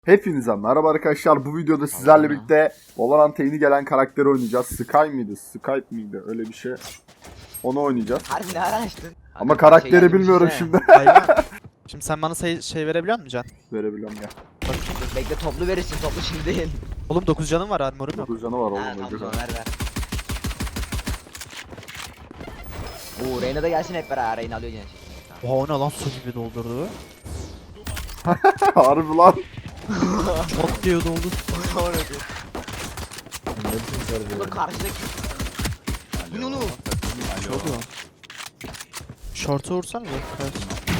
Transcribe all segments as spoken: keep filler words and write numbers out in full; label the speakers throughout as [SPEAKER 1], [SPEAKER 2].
[SPEAKER 1] Hepinize merhaba arkadaşlar. Bu videoda sizlerle birlikte Valorant'a yeni gelen karakteri oynayacağız. Sky mıydı? Skype miydi? Öyle bir şey. Onu oynayacağız.
[SPEAKER 2] Harbi ne araştın?
[SPEAKER 1] Ama karakteri bilmiyorum şimdi.
[SPEAKER 3] Hayvan. Şimdi sen bana say şey verebiliyor musun Can?
[SPEAKER 1] Verebiliyorum ya.
[SPEAKER 2] Dur, bekle toplu verirsin, toplu şimdi değil.
[SPEAKER 3] Oğlum dokuz canım var, armorum yok.
[SPEAKER 1] dokuz canı var oğlum.
[SPEAKER 2] Ha tamam
[SPEAKER 1] o
[SPEAKER 2] tamam
[SPEAKER 1] güzel.
[SPEAKER 2] ver ver. Oo Reyna da gelsin hep beraber, Reyna alıyor yine.
[SPEAKER 3] Oha o ne lan, su gibi doldurdu.
[SPEAKER 1] Harbi lan.
[SPEAKER 3] Çok diyor doldu.
[SPEAKER 2] Dur karşıdaki. Bu ne oğlum?
[SPEAKER 3] Çok lan. Short'u vursana be. Evet.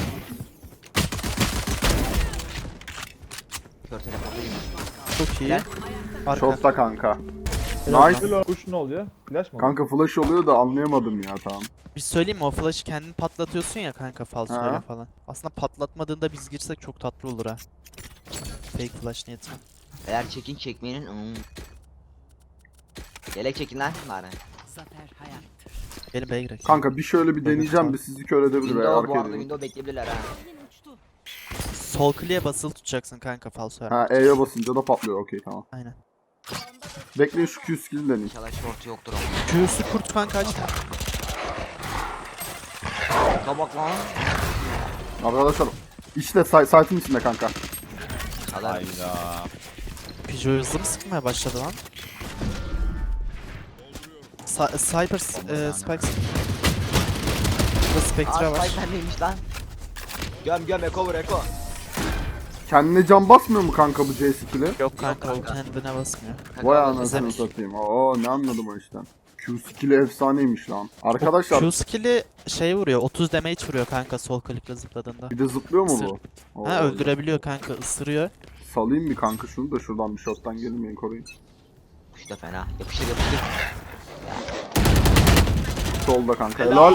[SPEAKER 2] Kör telefonlayayım.
[SPEAKER 3] Çok iyi.
[SPEAKER 2] Gel.
[SPEAKER 3] Arka.
[SPEAKER 1] Shot'ta kanka.
[SPEAKER 3] Helal
[SPEAKER 1] Nice.
[SPEAKER 3] lan.
[SPEAKER 4] Kuş ne oluyor? Flash mı?
[SPEAKER 1] Kanka flash oluyor da anlayamadım ya tamam.
[SPEAKER 3] Bir söyleyeyim mi, o flash'ı kendin patlatıyorsun ya kanka, falsoyla
[SPEAKER 1] Ha.
[SPEAKER 3] falan. Aslında patlatmadığında biz girsek çok tatlı olur ha. Fake flash niyetine.
[SPEAKER 2] Eğer çekin çekmeyenin. Hmm. Yelek çekin lan bari.
[SPEAKER 3] Gelin B'ye girelim.
[SPEAKER 1] Kanka bir şöyle bir deneyeceğim bir sizi kör edebilir veya
[SPEAKER 2] Window bu
[SPEAKER 1] arkaya
[SPEAKER 2] arada,
[SPEAKER 1] edeyim.
[SPEAKER 2] window bekleyebilirler ha.
[SPEAKER 3] Sol kliğe basılı tutacaksın kanka falso.
[SPEAKER 1] Ha E'ye basınca da patlıyor okey tamam.
[SPEAKER 3] Aynen.
[SPEAKER 1] Bekleyin şu Q skill'i deneyim.
[SPEAKER 2] İnşallah short yoktur ama.
[SPEAKER 3] Q'su kurt kanka aç.
[SPEAKER 2] Kabak lan.
[SPEAKER 1] Arkadaşlar işte say site'ın içinde kanka.
[SPEAKER 2] Kadar.
[SPEAKER 3] Pijo hızlı mı sıkmaya başladı lan? Sa Cyper e, Spikes. Burada Spectre
[SPEAKER 2] Aa
[SPEAKER 3] var.
[SPEAKER 2] Spike bendeymiş lan. Göm göm eko vur eko.
[SPEAKER 1] Kendine can basmıyor mu kanka bu C skill'i?
[SPEAKER 3] Yok kanka, o
[SPEAKER 2] kanka.
[SPEAKER 3] kendine basmıyor.
[SPEAKER 1] Vay
[SPEAKER 2] Kanka,
[SPEAKER 1] anasını
[SPEAKER 3] izlemiş.
[SPEAKER 1] satayım. Oo ne anladım o işten. Q skill'i efsaneymiş lan. Arkadaşlar
[SPEAKER 3] Q skill'i şey vuruyor, otuz damage vuruyor kanka sol klikle zıpladığında.
[SPEAKER 1] bir de zıplıyor mu bu? Oo,
[SPEAKER 3] Ha, öldürebiliyor kanka, ısırıyor.
[SPEAKER 1] Salayım bir kanka şunu da şuradan bir shot'tan gelmeyin koruyun.
[SPEAKER 2] Kuş da fena. Yapıştır yapıştır.
[SPEAKER 1] Solda kanka helal.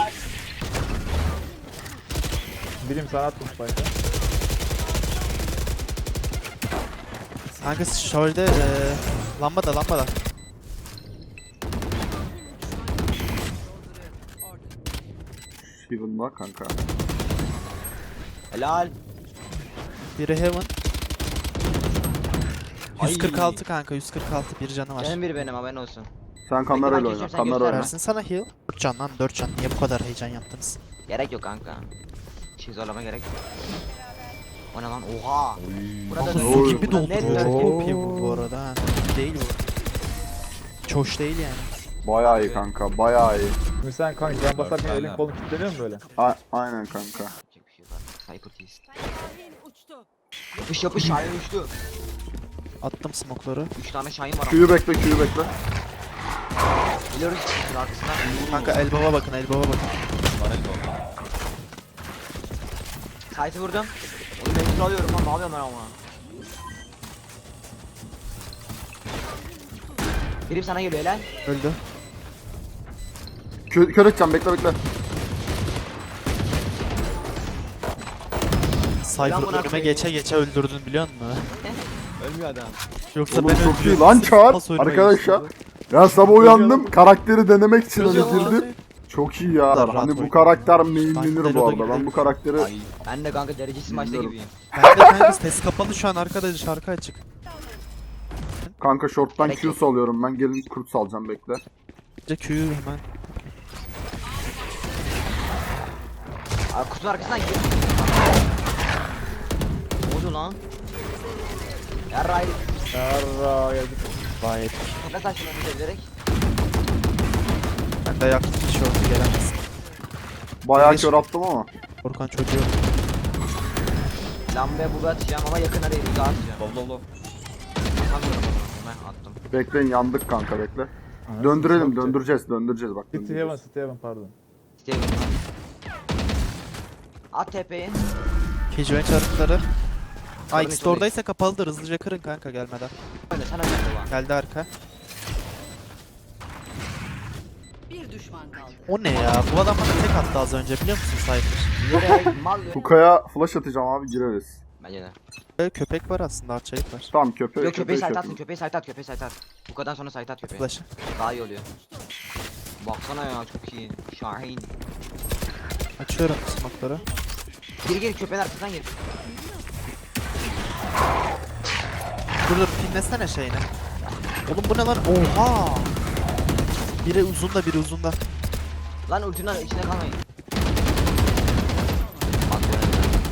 [SPEAKER 4] Birim sana attım spike'ı.
[SPEAKER 3] Kanka şöyle e, lambada lambada.
[SPEAKER 1] Heaven var kanka.
[SPEAKER 2] Helal.
[SPEAKER 3] Biri heaven.
[SPEAKER 2] Ay.
[SPEAKER 3] yüz kırk altı kanka, yüz kırk altı, bir canı var.
[SPEAKER 2] Canım biri benim, haberin olsun.
[SPEAKER 1] Sen kamerayla
[SPEAKER 2] ben
[SPEAKER 1] oyna.
[SPEAKER 2] geçiyorum, sen
[SPEAKER 1] Kamera
[SPEAKER 2] göster.
[SPEAKER 1] oyna.
[SPEAKER 3] Versin sana heal. dört can lan, dört can. Niye bu kadar heyecan yaptınız?
[SPEAKER 2] Gerek yok kanka. Şey zorlama gerek yok. O ne lan? Oha. Burada
[SPEAKER 3] Kanka
[SPEAKER 2] ne?
[SPEAKER 3] su
[SPEAKER 1] Oy.
[SPEAKER 3] gibi
[SPEAKER 2] Burada
[SPEAKER 3] doldu.
[SPEAKER 2] net
[SPEAKER 3] Çok
[SPEAKER 2] dört.
[SPEAKER 3] O P bu bu arada ha. Değil bu. Çoş değil yani.
[SPEAKER 1] Bayağı iyi kanka bayağı iyi.
[SPEAKER 4] Şimdi sen kanka can basarken elin kolun kilitleniyor mu böyle?
[SPEAKER 1] A aynen kanka.
[SPEAKER 2] Yapacak bir şey yok artık. Cypher tease. Yapış yapış Şahin uçtu.
[SPEAKER 3] Attım smoke'ları.
[SPEAKER 2] üç tane Şahin var ama.
[SPEAKER 1] Q'yu bekle Q'yu bekle.
[SPEAKER 2] Biliyoruz ki arkasından.
[SPEAKER 3] Kanka elbaba bakın, elbaba bakın.
[SPEAKER 2] Sight'ı vurdum. Onu mecbur alıyorum lan, ne yapıyorum ben ama. Birim sana geliyor lan.
[SPEAKER 3] Öldü.
[SPEAKER 1] Kö kör edeceğim bekle bekle.
[SPEAKER 3] Cypher
[SPEAKER 2] buna
[SPEAKER 3] önüme
[SPEAKER 2] koyayım.
[SPEAKER 3] geçe geçe öldürdün biliyor musun?
[SPEAKER 2] Ölmüyor adam.
[SPEAKER 3] Yoksa
[SPEAKER 1] Oğlum
[SPEAKER 3] ben
[SPEAKER 1] çok iyi
[SPEAKER 3] öldürüyorum.
[SPEAKER 1] lan
[SPEAKER 3] Siz
[SPEAKER 1] Çağır.
[SPEAKER 3] pas oynamayı
[SPEAKER 1] Arkadaşlar.
[SPEAKER 3] istiyorsunuz.
[SPEAKER 1] Ya sabah uyandım karakteri denemek için öyle
[SPEAKER 3] Çözüyorum
[SPEAKER 1] girdim.
[SPEAKER 3] abi.
[SPEAKER 1] Çok iyi ya.
[SPEAKER 3] Rahat
[SPEAKER 1] Hani bu
[SPEAKER 3] oynuyor.
[SPEAKER 1] karakter
[SPEAKER 3] Ben
[SPEAKER 1] mainlenir
[SPEAKER 3] de
[SPEAKER 1] bu
[SPEAKER 3] Loda
[SPEAKER 1] arada. Ben
[SPEAKER 3] gibi.
[SPEAKER 1] bu karakteri
[SPEAKER 2] Ben de kanka derecesiz maçta
[SPEAKER 1] Bilmiyorum.
[SPEAKER 2] gibiyim.
[SPEAKER 3] Ben de kanka ses kapalı şu an, arkada şarkı açık.
[SPEAKER 1] kanka short'tan
[SPEAKER 2] Gerek
[SPEAKER 1] Q
[SPEAKER 2] yok.
[SPEAKER 1] salıyorum ben. Gelin kurt salacağım bekle.
[SPEAKER 3] Önce Q'yu hemen.
[SPEAKER 2] Abi kutunun arkasından gir. Ne oldu lan? Yarray.
[SPEAKER 4] Yarra geldik.
[SPEAKER 3] Gayet.
[SPEAKER 2] Kafa saçlarını bilerek.
[SPEAKER 3] Ben de yaktım tişörtü, gelemez.
[SPEAKER 1] Bayağı
[SPEAKER 3] Beş-
[SPEAKER 1] kör attım ama.
[SPEAKER 3] Korkan çocuğu.
[SPEAKER 2] Lambaya bulu atacağım ama yakına değil, uzağa atacağım.
[SPEAKER 5] Lov lov lov.
[SPEAKER 2] Atamıyorum ama ben attım.
[SPEAKER 1] Bekleyin yandık kanka bekle. Döndürelim döndüreceğiz döndüreceğiz bak.
[SPEAKER 4] City Heaven,
[SPEAKER 1] döndüreceğiz.
[SPEAKER 4] City Heaven pardon.
[SPEAKER 2] Steven lan. At tepeyi.
[SPEAKER 3] Kejuven çarpıkları. Ay
[SPEAKER 2] Sorun
[SPEAKER 3] ikisi de
[SPEAKER 2] yok,
[SPEAKER 3] oradaysa kapalıdır, hızlıca kırın kanka gelmeden.
[SPEAKER 2] Öyle sen öyle baba.
[SPEAKER 3] Geldi arka.
[SPEAKER 6] Bir düşman kaldı.
[SPEAKER 3] O ne ya? Bu adam bana tek attı az önce, biliyor musun Cypher?
[SPEAKER 2] Yürek mal yürek.
[SPEAKER 1] Hukaya flash atacağım abi gireriz.
[SPEAKER 2] Bence de.
[SPEAKER 3] Böyle köpek var aslında, arçelik var.
[SPEAKER 1] Tamam köpeği
[SPEAKER 2] Yok köpeği sayt
[SPEAKER 1] köpeği
[SPEAKER 2] atın, köpeği sayt at, köpeği sayt at. Bu kadar sonra sayt at köpeği.
[SPEAKER 3] Flash'ı.
[SPEAKER 2] Daha iyi oluyor. Baksana ya, çok iyi. Şahin.
[SPEAKER 3] Açıyorum smoke'ları.
[SPEAKER 2] Gir gir köpeğin arkasından gir.
[SPEAKER 3] Dur dur pinlesene şeyini. Oğlum bu ne lan? Oha! Biri uzunda biri uzunda.
[SPEAKER 2] Lan ultinin içine kalmayın. Bak böyle.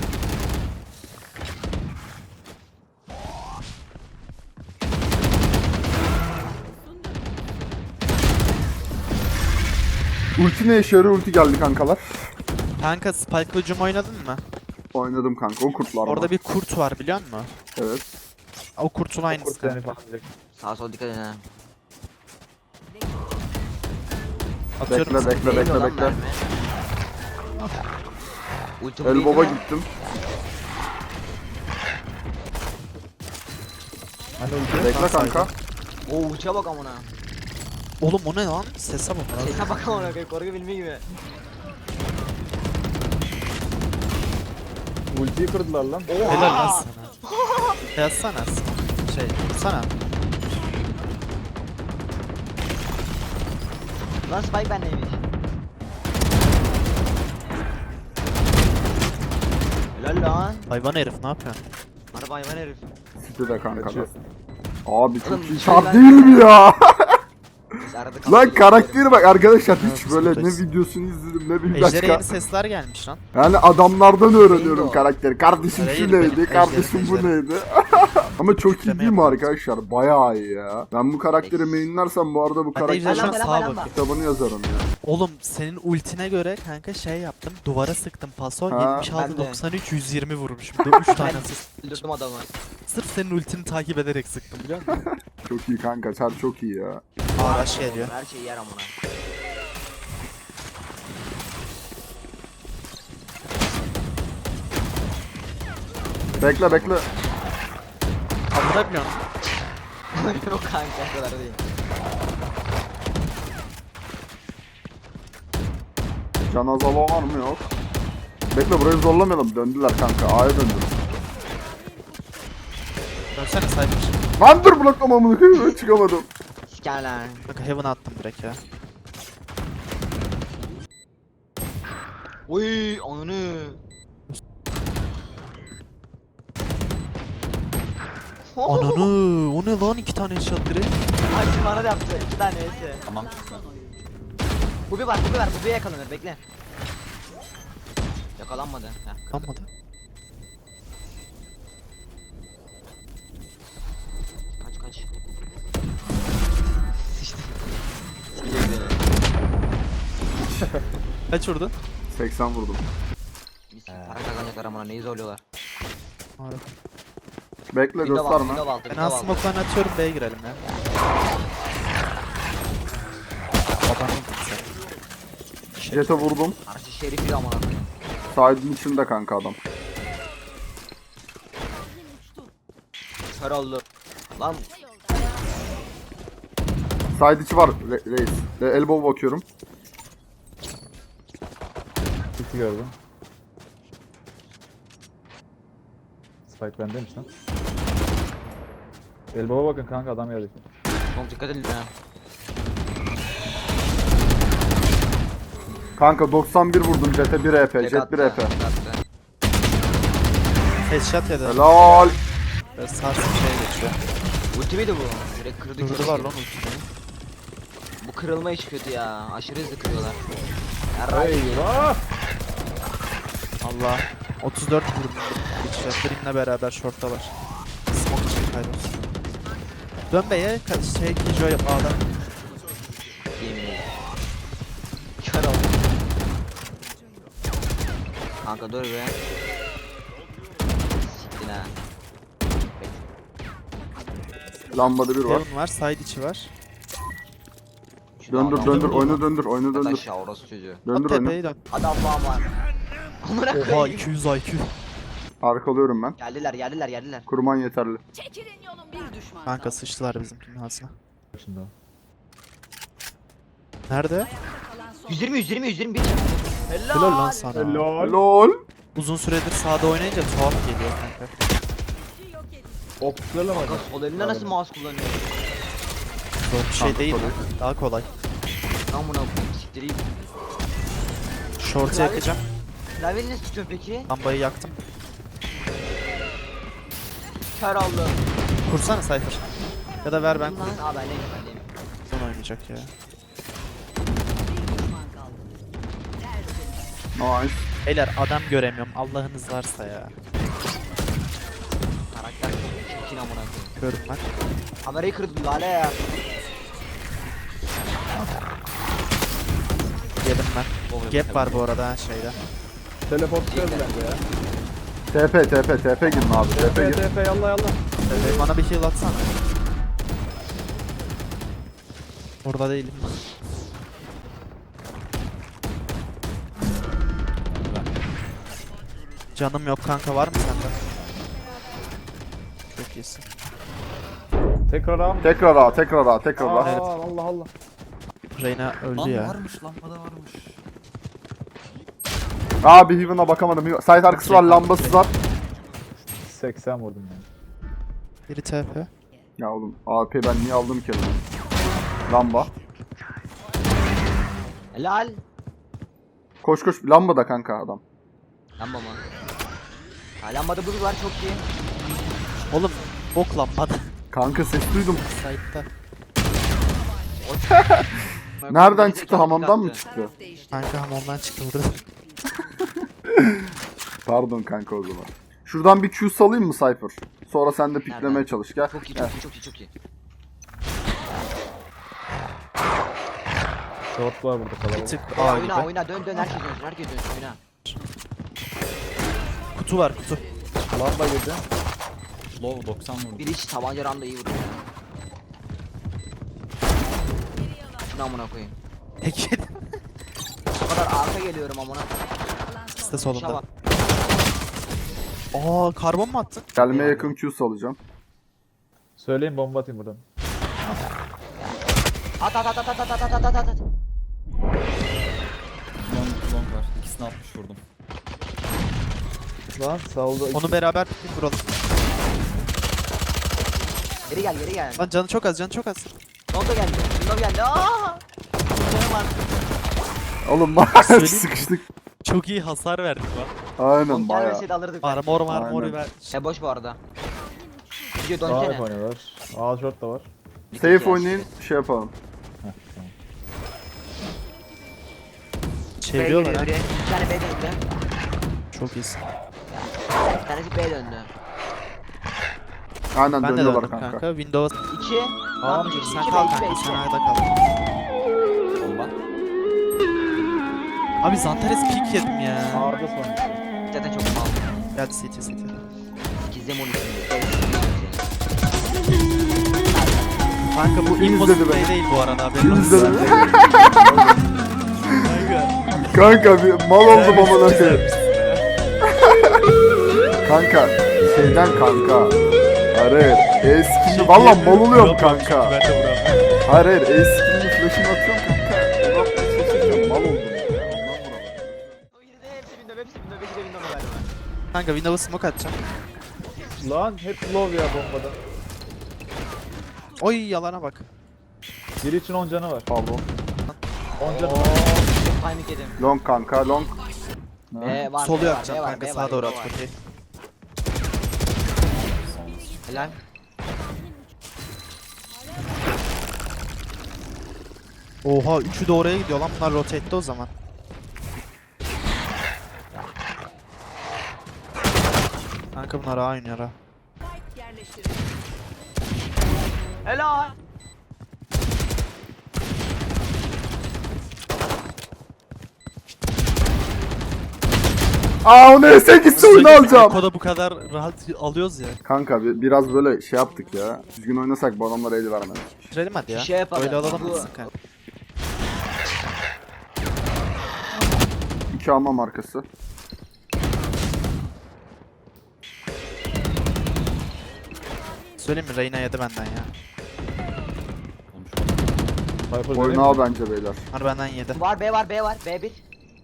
[SPEAKER 1] Ulti ne işe yarıyor? Ulti geldi kankalar.
[SPEAKER 3] Kanka Spike'lı Jum oynadın mı?
[SPEAKER 1] Oynadım kanka o kurtlar.
[SPEAKER 3] Orada bir kurt var biliyor musun?
[SPEAKER 1] Evet.
[SPEAKER 3] O kurtun aynısı
[SPEAKER 4] Kurt seni
[SPEAKER 3] kanka.
[SPEAKER 4] falan diyecek.
[SPEAKER 2] Sağa sola dikkat edin ha.
[SPEAKER 3] Atıyorum
[SPEAKER 1] Bekle
[SPEAKER 3] sana.
[SPEAKER 1] bekle
[SPEAKER 2] Değmiyor
[SPEAKER 1] bekle
[SPEAKER 2] lan
[SPEAKER 1] bekle.
[SPEAKER 2] mermi. Ultim
[SPEAKER 1] El
[SPEAKER 2] değil
[SPEAKER 1] baba
[SPEAKER 2] mi?
[SPEAKER 1] gittim.
[SPEAKER 4] Hani ulti.
[SPEAKER 1] Bekle kanka.
[SPEAKER 2] Oo uçağa bak amına.
[SPEAKER 3] Oğlum o ne lan? Sese bak lan.
[SPEAKER 2] Sesine bak amına koyayım korku filmi gibi.
[SPEAKER 4] Ultiyi kırdılar lan.
[SPEAKER 3] Helal lan sana. Yazsana. Şey, sana.
[SPEAKER 2] Lan Spike bendeymiş. Helal lan.
[SPEAKER 3] Hayvan herif ne yapıyorsun?
[SPEAKER 2] Araba hayvan herif.
[SPEAKER 1] City de kanka.
[SPEAKER 4] Kaçıyor.
[SPEAKER 1] Abi çok
[SPEAKER 2] Oğlum,
[SPEAKER 1] iyi
[SPEAKER 2] şey
[SPEAKER 1] şart
[SPEAKER 2] ben-
[SPEAKER 1] değil mi ya?
[SPEAKER 2] Biz arada
[SPEAKER 1] Lan
[SPEAKER 2] kalkıyoruz,
[SPEAKER 1] karakteri bak arkadaşlar hiç
[SPEAKER 3] Evet,
[SPEAKER 1] böyle ne
[SPEAKER 3] buradayız.
[SPEAKER 1] videosunu izledim ne bir
[SPEAKER 3] Ejder'e
[SPEAKER 1] başka.
[SPEAKER 3] yeni sesler gelmiş lan.
[SPEAKER 1] Yani adamlardan öğreniyorum
[SPEAKER 2] Neydi o?
[SPEAKER 1] karakteri. Kardeşim
[SPEAKER 3] Hayır,
[SPEAKER 1] şu
[SPEAKER 3] benim
[SPEAKER 1] neydi? Kardeşim
[SPEAKER 3] ejderim,
[SPEAKER 1] bu
[SPEAKER 3] ejderim.
[SPEAKER 1] neydi? Ama çok iyi
[SPEAKER 3] Titreme
[SPEAKER 1] değil mi
[SPEAKER 3] yapıyoruz.
[SPEAKER 1] arkadaşlar? Bayağı iyi ya. Ben bu karakteri mainlersem bu arada bu
[SPEAKER 3] Ben de Ejder
[SPEAKER 1] karakterin
[SPEAKER 3] şu an
[SPEAKER 2] Lamba,
[SPEAKER 3] sağa
[SPEAKER 2] lamba,
[SPEAKER 3] bakıyor.
[SPEAKER 1] kitabını yazarım ya.
[SPEAKER 3] Oğlum senin ultine göre kanka şey yaptım. Duvara sıktım paso.
[SPEAKER 1] Ha,
[SPEAKER 3] yetmiş altı
[SPEAKER 2] ben de.
[SPEAKER 3] doksan üç yüz yirmi vurmuşum. üç tane asist.
[SPEAKER 2] Öldürdüm adamı.
[SPEAKER 3] Sırf senin ultini takip ederek sıktım biliyor musun?
[SPEAKER 1] Çok iyi kanka. Sen çok iyi ya.
[SPEAKER 3] Araç geliyor.
[SPEAKER 2] Her şeyi yer amına.
[SPEAKER 1] Bekle bekle.
[SPEAKER 3] Kaldırabiliyor musun?
[SPEAKER 2] Yok kanka o kadar değil.
[SPEAKER 1] Can azalı var mı? Yok. Bekle burayı zorlamayalım. Döndüler kanka. A'ya döndü.
[SPEAKER 3] Dönsene saymış.
[SPEAKER 1] Lan dur bloklamamını koyayım. Çıkamadım.
[SPEAKER 2] Siker lan.
[SPEAKER 3] Kanka Heaven'a attım direkt ya.
[SPEAKER 2] Oy ananı.
[SPEAKER 3] Ananı o ne lan iki tane headshot direkt.
[SPEAKER 2] Ay şimdi bana da yaptı. İki tane esi. Tamam. Bu bir var, bu bir var, bu bir yakalanır. Bekle. Yakalanmadı. Heh.
[SPEAKER 3] Kalmadı.
[SPEAKER 2] Kaç kaç. Sıçtı. Sikecek beni.
[SPEAKER 3] Kaç vurdun?
[SPEAKER 1] seksen vurdum.
[SPEAKER 2] Mis gibi para kazanacaklar amına neyi zorluyorlar.
[SPEAKER 3] Harbi.
[SPEAKER 1] Bekle
[SPEAKER 2] Window altı,
[SPEAKER 1] gösterme.
[SPEAKER 2] window altı,
[SPEAKER 3] Ben
[SPEAKER 2] window
[SPEAKER 3] aslında
[SPEAKER 2] altı.
[SPEAKER 3] smoke'larını atıyorum B'ye girelim ya. Babanın sen.
[SPEAKER 1] Jet'e vurdum.
[SPEAKER 2] Arşı şerifi de amına koyayım.
[SPEAKER 1] Side'ın içinde kanka adam.
[SPEAKER 2] Kör oldu. Lan
[SPEAKER 1] Side içi var re- reis. E, elbow bakıyorum.
[SPEAKER 4] Ulti gördüm. Spike bendeymiş lan. Elbaba bakın kanka adam geldi.
[SPEAKER 2] çok dikkat edin ha.
[SPEAKER 1] Kanka doksan bir vurdum Jet'e bir E P.
[SPEAKER 2] Tek
[SPEAKER 1] Jet bir
[SPEAKER 2] attı,
[SPEAKER 1] E P.
[SPEAKER 2] tek attı.
[SPEAKER 3] Headshot yedi.
[SPEAKER 1] Helal.
[SPEAKER 3] Böyle sarsın şeye geçiyor.
[SPEAKER 2] Ulti miydi bu? Direkt kırdı
[SPEAKER 3] Durdu
[SPEAKER 2] kırdı.
[SPEAKER 3] var lan ultimi.
[SPEAKER 2] Bu kırılma iş kötü ya. Aşırı hızlı kırıyorlar. Yarrayı.
[SPEAKER 4] Eyvah!
[SPEAKER 3] Allah. otuz dört vurdum. Geçiyor. Dream'le beraber short'ta var. Smoke için kaybolsun. Dön B'ye ka- şey Kijo yap A'da.
[SPEAKER 2] Yemin ederim. Kör oldu. Kanka dur be. Siktin ha.
[SPEAKER 1] Lambada bir var.
[SPEAKER 3] Heaven var, side içi var.
[SPEAKER 2] Şu
[SPEAKER 1] Döndür
[SPEAKER 2] adam-
[SPEAKER 1] döndür oyunu döndür oyunu
[SPEAKER 2] Yat
[SPEAKER 1] döndür.
[SPEAKER 2] aşağı orası çocuğu.
[SPEAKER 3] Bak
[SPEAKER 1] Döndür oyunu.
[SPEAKER 3] tepeye dön.
[SPEAKER 2] Adam falan var. Amına
[SPEAKER 3] Oha
[SPEAKER 2] koyayım.
[SPEAKER 3] iki yüz I Q.
[SPEAKER 1] Arkalıyorum ben.
[SPEAKER 2] Geldiler geldiler geldiler.
[SPEAKER 1] Kurman yeterli.
[SPEAKER 6] Çekilin yolum bir düşman
[SPEAKER 3] Kanka
[SPEAKER 6] kaldı.
[SPEAKER 3] sıçtılar bizimkinin ağzına.
[SPEAKER 4] Şimdi o.
[SPEAKER 3] Nerede?
[SPEAKER 6] Kalan son.
[SPEAKER 2] yüz yirmi yüz yirmi yüz yirmi bir. Helal.
[SPEAKER 3] Helal lan sana.
[SPEAKER 4] Helal.
[SPEAKER 1] Lol.
[SPEAKER 3] Uzun süredir sağda oynayınca tuhaf geliyor kanka.
[SPEAKER 4] Optiklerle mi
[SPEAKER 2] Kanka
[SPEAKER 4] oynadın?
[SPEAKER 2] sol elinde nasıl mouse kullanıyor?
[SPEAKER 3] Zor bir şey
[SPEAKER 1] Kanka,
[SPEAKER 3] değil.
[SPEAKER 1] tabii.
[SPEAKER 3] Daha kolay.
[SPEAKER 2] Amına koyayım siktireyim.
[SPEAKER 3] Short'u yakacağım.
[SPEAKER 2] Klavyeyi nasıl tutuyorsun peki?
[SPEAKER 3] Lambayı yaktım.
[SPEAKER 2] Kör oldu.
[SPEAKER 3] Kursana Cypher. Ya da ver ben
[SPEAKER 2] Lan
[SPEAKER 3] kurayım.
[SPEAKER 2] aa bendeyim bendeyim.
[SPEAKER 3] Son oynayacak ya.
[SPEAKER 6] Bir düşman kaldı. Tertemiz.
[SPEAKER 1] Nice.
[SPEAKER 3] Beyler adam göremiyorum. Allah'ınız varsa ya.
[SPEAKER 2] Karakter çok çirkin amına koyayım.
[SPEAKER 3] Görün ben.
[SPEAKER 2] Kamerayı kırdım lale ya.
[SPEAKER 3] Yedim ben. Gap var bu arada ha şeyde.
[SPEAKER 4] Teleportluyor bence ya.
[SPEAKER 1] T P T P T P girin abi. T P
[SPEAKER 4] T
[SPEAKER 1] girin.
[SPEAKER 4] P yallah yallah.
[SPEAKER 3] Ee, bana bir heal atsana. Orada değilim. Canım yok kanka, var mı sende? Çok iyisin.
[SPEAKER 4] Tekrar abi.
[SPEAKER 1] Tekrar A, tekrar A, tekrar
[SPEAKER 4] Aa,
[SPEAKER 1] A.
[SPEAKER 3] Evet.
[SPEAKER 4] Allah Allah.
[SPEAKER 3] Reyna öldü
[SPEAKER 5] Lan
[SPEAKER 3] ya.
[SPEAKER 5] varmış lambada varmış.
[SPEAKER 1] Abi Heaven'a bakamadım. Site arkası var, lambası var.
[SPEAKER 4] seksen vurdum yani.
[SPEAKER 3] Biri T P.
[SPEAKER 1] Ya oğlum A P ben niye aldım ki? Lamba.
[SPEAKER 2] Helal.
[SPEAKER 1] Koş koş, lamba da kanka adam.
[SPEAKER 2] Lamba mı? Ha lambada buz var çok iyi.
[SPEAKER 3] Oğlum bok lambada.
[SPEAKER 1] Kanka ses duydum.
[SPEAKER 3] Site'da.
[SPEAKER 1] Nereden çıktı, hamamdan mı çıktı?
[SPEAKER 6] Taraf değişti.
[SPEAKER 3] Kanka hamamdan çıktı burada.
[SPEAKER 1] Pardon kanka o zaman. Şuradan bir Q salayım mı Cypher? Sonra sen de piklemeye
[SPEAKER 2] Nereden?
[SPEAKER 1] çalış gel.
[SPEAKER 2] Çok iyi
[SPEAKER 1] Gel.
[SPEAKER 2] çok iyi çok iyi çok iyi.
[SPEAKER 4] Short var burada
[SPEAKER 3] Bir
[SPEAKER 4] kalabalık.
[SPEAKER 3] tık
[SPEAKER 2] Oyna
[SPEAKER 3] A
[SPEAKER 2] oyna
[SPEAKER 3] gibi.
[SPEAKER 2] oyna dön dön herkes dönsün herkes dönsün oyna.
[SPEAKER 3] Kutu var kutu.
[SPEAKER 4] Lamba girdi.
[SPEAKER 5] Low doksan vurdu.
[SPEAKER 2] Bir iç tabanca randa iyi vuruyor. Şunu amına koyayım.
[SPEAKER 3] Peki.
[SPEAKER 2] O kadar arka geliyorum amına.
[SPEAKER 3] İşte
[SPEAKER 2] Şuna
[SPEAKER 3] solunda.
[SPEAKER 2] bak.
[SPEAKER 3] Aa karbon mu attın?
[SPEAKER 1] Gelmeye yakın Q salacağım.
[SPEAKER 4] Söyleyin bomba atayım buradan.
[SPEAKER 2] At at at at at at at at at at.
[SPEAKER 5] Long, long var. İkisini altmış vurdum.
[SPEAKER 4] Lan saldı.
[SPEAKER 3] Onu beraber piknik vuralım.
[SPEAKER 2] Geri gel geri gel.
[SPEAKER 3] Lan canı çok az, canı çok az.
[SPEAKER 2] Nonda geldi. Nonda geldi. Aa! Canım var.
[SPEAKER 1] Oğlum bak
[SPEAKER 3] Söyleyeyim.
[SPEAKER 1] sıkıştık.
[SPEAKER 3] Çok iyi hasar verdik lan.
[SPEAKER 1] Aynen
[SPEAKER 2] Nonda
[SPEAKER 1] baya.
[SPEAKER 2] gelmeseydi alırdık. belki.
[SPEAKER 3] Armor marmor
[SPEAKER 1] Aynen.
[SPEAKER 3] ver.
[SPEAKER 2] E boş bu arada. Video
[SPEAKER 4] Sağ
[SPEAKER 2] dönsene.
[SPEAKER 4] oynuyorlar. A short da var.
[SPEAKER 1] Safe oynayın, şey yapalım.
[SPEAKER 4] Heh, tamam.
[SPEAKER 2] B
[SPEAKER 3] Çeviriyorlar
[SPEAKER 2] geliyor
[SPEAKER 3] ha.
[SPEAKER 2] biri. Bir tane B döndü.
[SPEAKER 3] Çok iyisin.
[SPEAKER 2] Bir tanesi B döndü.
[SPEAKER 1] Aynen
[SPEAKER 3] Ben de
[SPEAKER 1] dönüyorlar
[SPEAKER 3] döndüm
[SPEAKER 1] kanka.
[SPEAKER 3] kanka. Windows.
[SPEAKER 2] İki. Tamam iki.
[SPEAKER 3] Sen
[SPEAKER 2] iki
[SPEAKER 3] kal
[SPEAKER 2] B iki B
[SPEAKER 3] kanka,
[SPEAKER 2] iki.
[SPEAKER 3] sen ayda kal.
[SPEAKER 5] Bomba.
[SPEAKER 3] Abi Zantares pick yedim ya.
[SPEAKER 4] A'da son.
[SPEAKER 2] Zaten çok mal.
[SPEAKER 3] Geldi C T C T.
[SPEAKER 2] İkizde mon için.
[SPEAKER 3] Kanka bu
[SPEAKER 1] Kim
[SPEAKER 3] impossible
[SPEAKER 1] izledi beni?
[SPEAKER 3] play değil bu arada. haberin
[SPEAKER 1] Kim
[SPEAKER 3] olsun.
[SPEAKER 1] izledi beni?
[SPEAKER 3] Kanka.
[SPEAKER 1] Kanka bir mal oldum amına koyayım. Kanka şeyden kanka. Hayır, e-skinli valla mal oluyorum kanka.
[SPEAKER 3] Ben de vuramıyorum.
[SPEAKER 1] Hayır hayır, e-skinli flash'ını atıyorum kanka. Uzatmaya çalışırken mal oldum ya. Ondan vuramadım.
[SPEAKER 2] O yine de hepsi window hepsi window beşi de window galiba.
[SPEAKER 3] Kanka Windows'a smoke atacağım.
[SPEAKER 4] Lan hep low ya bombada.
[SPEAKER 3] Oy yalana bak.
[SPEAKER 4] Biri için on canı var.
[SPEAKER 1] Pardon.
[SPEAKER 4] on canı
[SPEAKER 2] Oo,
[SPEAKER 4] var.
[SPEAKER 2] timing yedim.
[SPEAKER 1] Long kanka, long.
[SPEAKER 2] B var.
[SPEAKER 3] Solu
[SPEAKER 2] B var,
[SPEAKER 3] yapacağım
[SPEAKER 2] B var,
[SPEAKER 3] kanka,
[SPEAKER 2] B
[SPEAKER 3] sağa
[SPEAKER 2] var,
[SPEAKER 3] doğru
[SPEAKER 2] B
[SPEAKER 3] at
[SPEAKER 2] var.
[SPEAKER 3] okey.
[SPEAKER 2] Helal.
[SPEAKER 3] Oha üçü de oraya gidiyor lan, bunlar rotate'de o zaman. Kanka bunlar A oynuyor ha.
[SPEAKER 6] Yerleştirin.
[SPEAKER 2] Helal.
[SPEAKER 1] Aa onu S gitsin oyunu alacağım.
[SPEAKER 3] Koda bu kadar rahat alıyoruz ya.
[SPEAKER 1] Kanka bir, biraz böyle şey yaptık ya. Düzgün oynasak bu adamlara el vermedik.
[SPEAKER 3] Bitirelim hadi ya.
[SPEAKER 2] Şey yapalım.
[SPEAKER 3] Öyle alalım
[SPEAKER 2] Bu-
[SPEAKER 3] mısın kanka?
[SPEAKER 1] İki alma markası.
[SPEAKER 3] Söyleyeyim mi? Reyna yedi benden ya.
[SPEAKER 5] Konuşma.
[SPEAKER 4] Viper
[SPEAKER 1] Oyunu
[SPEAKER 4] vereyim
[SPEAKER 1] al
[SPEAKER 4] mi?
[SPEAKER 1] bence beyler.
[SPEAKER 3] Bunlar benden yedi.
[SPEAKER 2] Var B var B var B bir.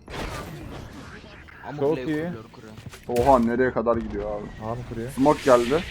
[SPEAKER 2] Ama
[SPEAKER 4] Çok
[SPEAKER 2] kuleyi
[SPEAKER 4] iyi.
[SPEAKER 2] kuruyor, kuruyor.
[SPEAKER 1] Oha nereye kadar gidiyor abi.
[SPEAKER 4] A mı kuruyor?
[SPEAKER 1] Smoke geldi.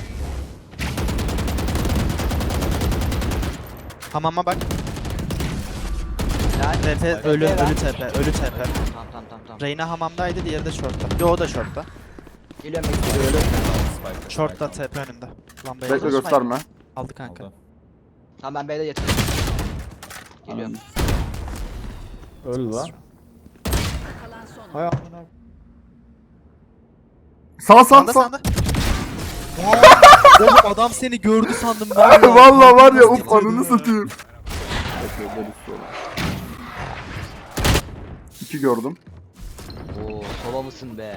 [SPEAKER 3] Hamama bak.
[SPEAKER 2] Helal.
[SPEAKER 3] T P ölü,
[SPEAKER 2] T P ver.
[SPEAKER 3] ölü T P, ölü T P.
[SPEAKER 2] Tamam tamam tamam tamam.
[SPEAKER 3] Reyna hamamdaydı, diğeri de shortta. Yo o da shortta.
[SPEAKER 2] Geliyorum bekliyorum.
[SPEAKER 5] Spike.
[SPEAKER 3] Shortta T P önünde. Lambayı
[SPEAKER 1] Bekle
[SPEAKER 3] aldı.
[SPEAKER 1] gösterme.
[SPEAKER 3] Aldı kanka.
[SPEAKER 5] Aldı.
[SPEAKER 2] Tamam ben B'de yatırıyorum. Geliyorum.
[SPEAKER 4] Öldü lan.
[SPEAKER 6] Kalan son
[SPEAKER 4] Hay amına.
[SPEAKER 1] Sağ sağ
[SPEAKER 3] Sağda
[SPEAKER 1] sağ.
[SPEAKER 3] sağda. Oğlum adam seni gördü sandım var ya.
[SPEAKER 1] Valla var ya
[SPEAKER 3] Nasıl
[SPEAKER 1] uf
[SPEAKER 3] titriyordu
[SPEAKER 1] anını
[SPEAKER 3] ya?
[SPEAKER 1] satayım. Bekle, böyle istiyorlar. İki gördüm.
[SPEAKER 2] Oo sola mısın be?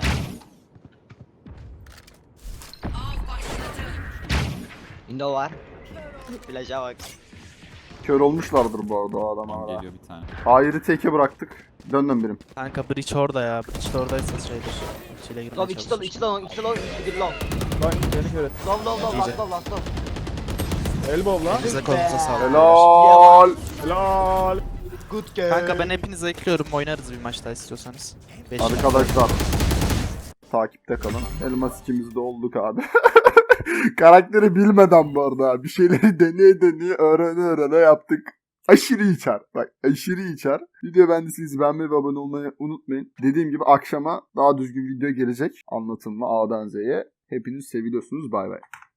[SPEAKER 2] Window var. Flash'a bak.
[SPEAKER 1] Kör olmuşlardır bu arada o adam
[SPEAKER 5] Tamam,
[SPEAKER 1] hala.
[SPEAKER 5] geliyor bir tane.
[SPEAKER 1] Hayır'ı teke bıraktık. Döndüm birim.
[SPEAKER 3] Kanka Breach orada ya. Breach de oradaysa şeydir. İçiyle girmeye
[SPEAKER 2] Low iki long
[SPEAKER 3] çalışır.
[SPEAKER 2] iki long iki long iki long.
[SPEAKER 4] Lan beni kör et.
[SPEAKER 2] Low low low
[SPEAKER 3] İyice.
[SPEAKER 2] last low last low.
[SPEAKER 4] Elbow lan.
[SPEAKER 3] Elinize kolunuza sağlık.
[SPEAKER 1] Helal.
[SPEAKER 4] Helal.
[SPEAKER 2] Good game.
[SPEAKER 3] Kanka ben hepinizi ekliyorum. Oynarız bir maç daha istiyorsanız. Beş
[SPEAKER 1] Arkadaşlar. Takipte kalın. Elmas ikimiz de olduk abi. Karakteri bilmeden bu arada. Bir şeyleri deneye deneye öğrene öğrene yaptık. Aşırı içer. Bak aşırı içer. Video beğendiyseniz beğenmeyi ve abone olmayı unutmayın. Dediğim gibi akşama daha düzgün video gelecek. Anlatımlı A'dan Z'ye. Hepiniz seviliyorsunuz. Bay bay.